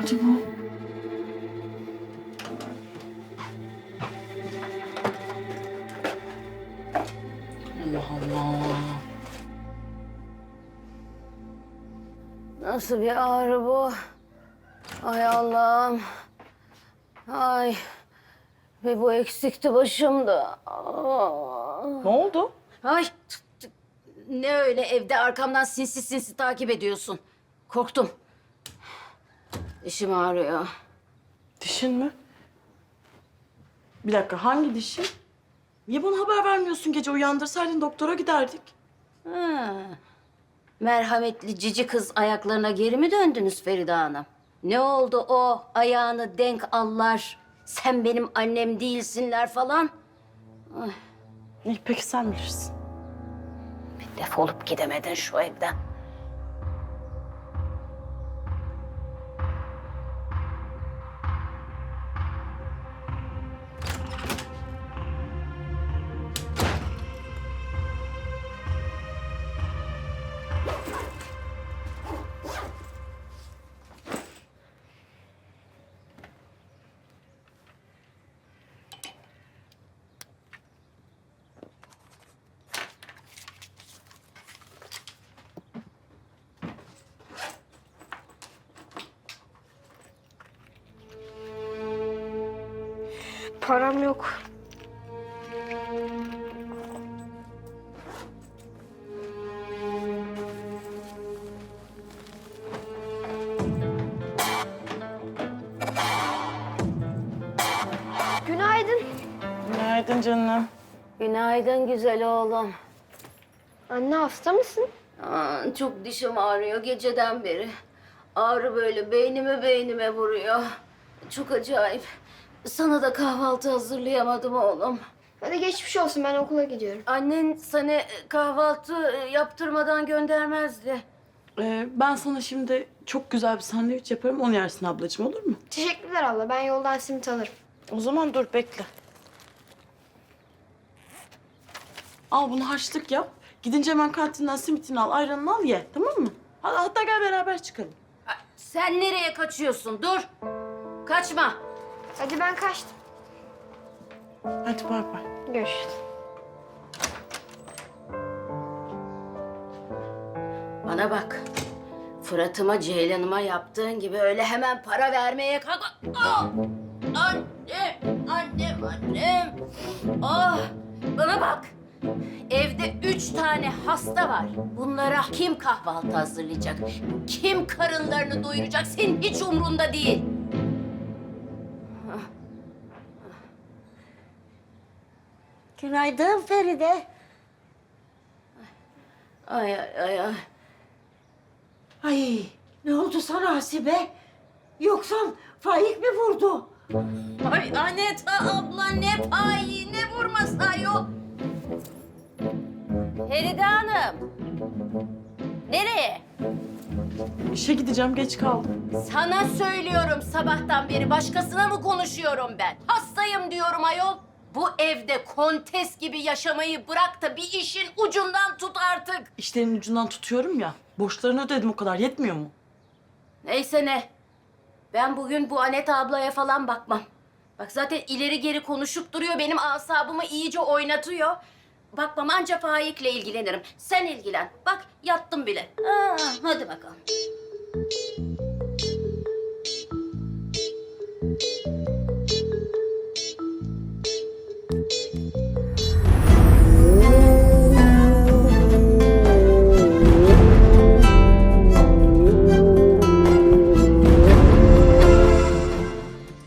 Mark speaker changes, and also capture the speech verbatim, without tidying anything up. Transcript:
Speaker 1: oldu bu? Allah Allah.
Speaker 2: Nasıl bir ağrı bu? Ay Allah'ım. Ay. Ve bu eksikti başımda. Aa.
Speaker 1: Ne oldu?
Speaker 2: Ay. t- t- Ne öyle evde arkamdan sinsi sinsi takip ediyorsun. Korktum. Dişim ağrıyor.
Speaker 1: Dişin mi? Bir dakika, hangi dişin? Niye bana haber vermiyorsun gece? Uyandırsaydın doktora giderdik.
Speaker 2: Ha. Merhametli cici kız ayaklarına geri mi döndünüz Feride Hanım? Ne oldu o ayağını denk allar, sen benim annem değilsinler falan?
Speaker 1: İyi, peki sen bilirsin.
Speaker 2: Defolup gidemedin şu evden.
Speaker 3: Param yok. Günaydın.
Speaker 1: Günaydın canım.
Speaker 2: Günaydın güzel oğlum.
Speaker 3: Anne hasta mısın?
Speaker 2: Aa, çok dişim ağrıyor geceden beri. Ağrı böyle beynime beynime vuruyor. Çok acayip. Sana da kahvaltı hazırlayamadım oğlum.
Speaker 3: Hadi geçmiş olsun, ben okula gidiyorum.
Speaker 2: Annen sana kahvaltı yaptırmadan göndermezdi.
Speaker 1: Ee, ben sana şimdi çok güzel bir sandviç yaparım. Onu yersin ablacığım, olur mu?
Speaker 3: Teşekkürler abla, ben yoldan simit alırım.
Speaker 1: O zaman dur, bekle. Al bunu, harçlık yap. Gidince hemen kantinden simitini al, ayranını al, ye. Tamam mı? Hatta, hatta gel beraber çıkalım.
Speaker 2: Sen nereye kaçıyorsun? Dur. Kaçma.
Speaker 3: Hadi ben kaçtım.
Speaker 1: Hadi bay bay.
Speaker 3: Görüşürüz.
Speaker 2: Bana bak. Fırat'ıma, Ceylan'ıma yaptığın gibi öyle hemen para vermeye kalk. Ah! Annem, annem, annem. Ah! Bana bak. Evde üç tane hasta var. Bunlara kim kahvaltı hazırlayacak? Kim karınlarını doyuracak? Senin hiç umrunda değil. Günaydın Feride. Ay ay ay ay.
Speaker 4: Ay ne oldu sana Hasibe? Yoksa Faik mi vurdu?
Speaker 2: Ay Aneta abla ne payı ne vurması ayol. Feride Hanım. Nereye?
Speaker 1: İşe gideceğim, geç kaldım.
Speaker 2: Sana söylüyorum sabahtan beri. Başkasına mı konuşuyorum ben? Hastayım diyorum ayol. Bu evde kontes gibi yaşamayı bırak da bir işin ucundan tut artık.
Speaker 1: İşlerin ucundan tutuyorum ya. Borçlarını ödedim, o kadar yetmiyor mu?
Speaker 2: Neyse ne. Ben bugün bu Aneta ablaya falan bakmam. Bak zaten ileri geri konuşup duruyor. Benim asabımı iyice oynatıyor. Bakmam, anca Faik'le ilgilenirim. Sen ilgilen. Bak yattım bile. Aa, hadi bakalım.